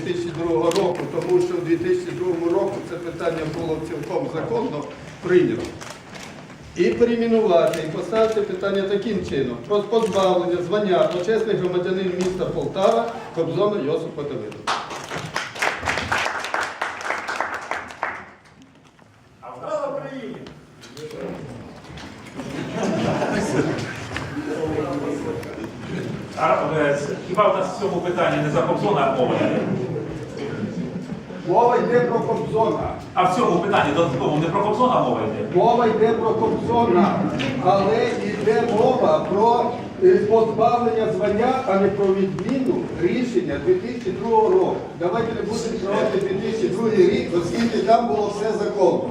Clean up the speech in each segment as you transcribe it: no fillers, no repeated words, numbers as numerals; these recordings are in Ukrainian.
2002 року, тому що в 2002 року це питання було цілком законно прийнято. І перейменувати, і поставити питання таким чином. Про позбавлення звання почесний громадянин міста Полтава Кобзона Йосипа Давидовича. А в Україні. Хіба в нас в цьому питанні не за Кобзона мова йде? Мова йде про Кобзона. А в цьому питанні додатково не про Кобзона мова йде? Мова йде про Кобзона, але йде мова про позбавлення звання, а не про відміну рішення 2002 року. Давайте не будемо проводити 2002 рік, оскільки там було все законно.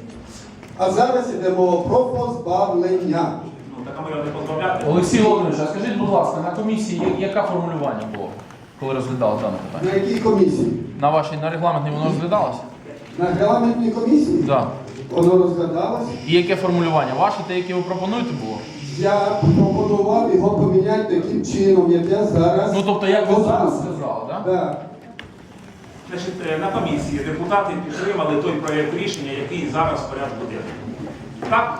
А зараз йде мова про позбавлення. Ну, так а ми його не позбавляти. Олексій Володимирович, а скажіть, будь ласка, на комісії яке формулювання було, коли розглядали дане питання? На якій комісії? На вашій, на регламентній воно розглядалося? На регламентній комісії? Так. Воно розглядалось. І яке формулювання? Ваше, те, яке ви пропонуєте, було? Я пропонував його поміняти таким чином, як я зараз. Ну, тобто, як ви зараз показую. сказали, так? Так. Значить, на комісії депутати підтримали той проєкт рішення, який зараз в порядку денному. Так?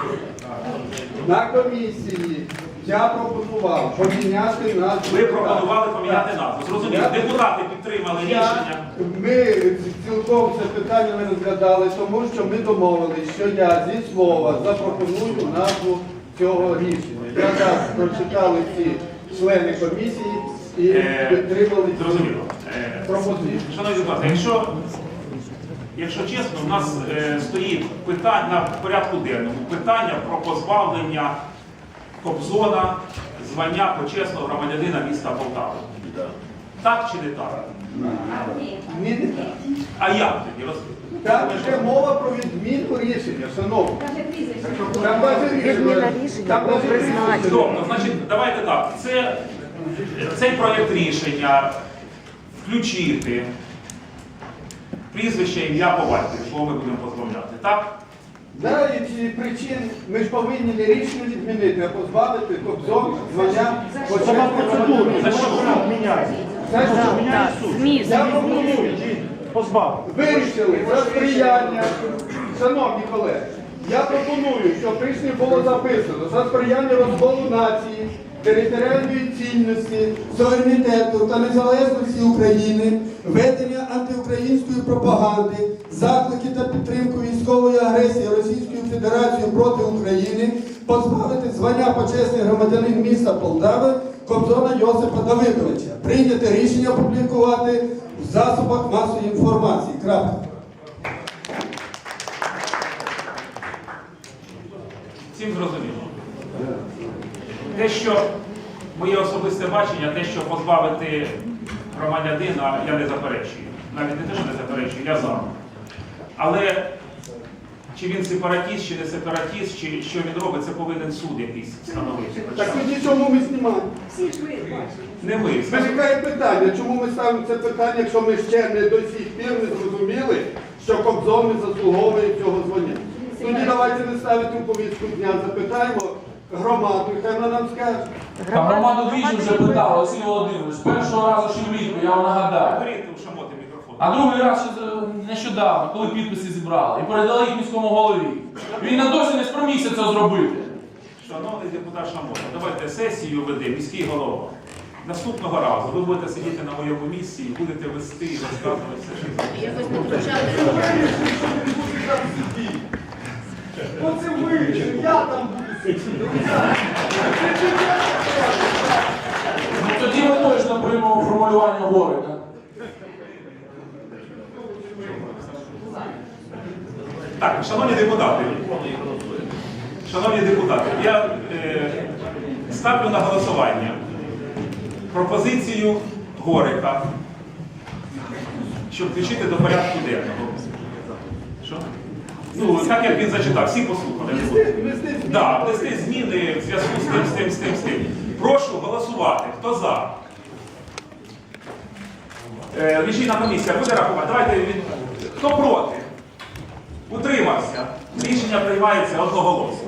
На комісії я пропонував поміняти назву. Ви пропонували поміняти назву. Зрозуміло, депутати підтримали рішення. Ми цілком це питання не розглядали, тому що ми домовилися, що я зі слова запропоную назву цього рішення. Я так прочитали всі члени комісії і підтримали цю Зрозуміло. пропозицію. Шановні депутати, якщо чесно, у нас стоїть питання на порядку денному питання про позбавлення Кобзона звання почесного громадянина міста Полтави. Так чи не так? Ні, не так. А як тоді? Там йде мова про відміну рішення, шановні. Там навіть рішення. Там навіть рішення. Тобто, значить, давайте так. Цей проєкт рішення включити прізвище, ім'я по батькові, кого ми будемо позбавляти, так? Да, і ці причин ми ж повинні не рішення відмінити, а позбавити Кобзон звання почесного громадянина. За що? Це що? Я пропоную. Вирішили за сприяння, шановні колеги, я пропоную, щоб в рішенні було записано за сприяння розколу нації, територіальної цінності, суверенітету та незалежності України, ведення антиукраїнської пропаганди, заклики та підтримку військової агресії Російської Федерації проти України, позбавити звання почесний громадянин міста Полтави Кобзона Йосипа Давидовича. Прийняти рішення опублікувати в засобах масової інформації. Крапка. Всім зрозуміло. Те, що моє особисте бачення, те, що позбавити громадянина, я не заперечую. Навіть не те, що не заперечую, я за. Але чи він сепаратіст, чи не сепаратіст, чи що він робить, це повинен суд якийсь встановити. Так тоді чому ми знімаємо? Не ми. Виникає питання, чому ми ставимо це питання, якщо ми ще не до сих пір не зрозуміли, що Кобзон не заслуговує цього звання. Тоді давайте не ставити у повістку дня, запитаємо громаду, хай вона нам скаже. Та громаду двічі вже питали, Олексій Володимирович. Першого разу ще влітку, я вам нагадаю. Беріть у шамоти мікрофон. А другий раз ще нещодавно, коли підписи зібрали. І передали їх міському голові. Він на досі не спромігся це зробити. Шановний депутат Шамота, давайте сесію веде міський голова. Наступного разу ви будете сидіти на моєму місці і будете вести і розказувати все, що Якось не включали. Оце ви, я там буду сидіти. Ну тоді ми точно приймемо формулювання Горика. Так, шановні депутати, я ставлю на голосування пропозицію Горика, щоб включити до порядку денного. Що? Ну, так як він зачитав, всі послухали. Так, внести зміни в зв'язку з тим. Прошу голосувати. Хто за? Рішення комісія буде рахувати. Давайте хто проти? Утримався. Рішення приймається одноголосно.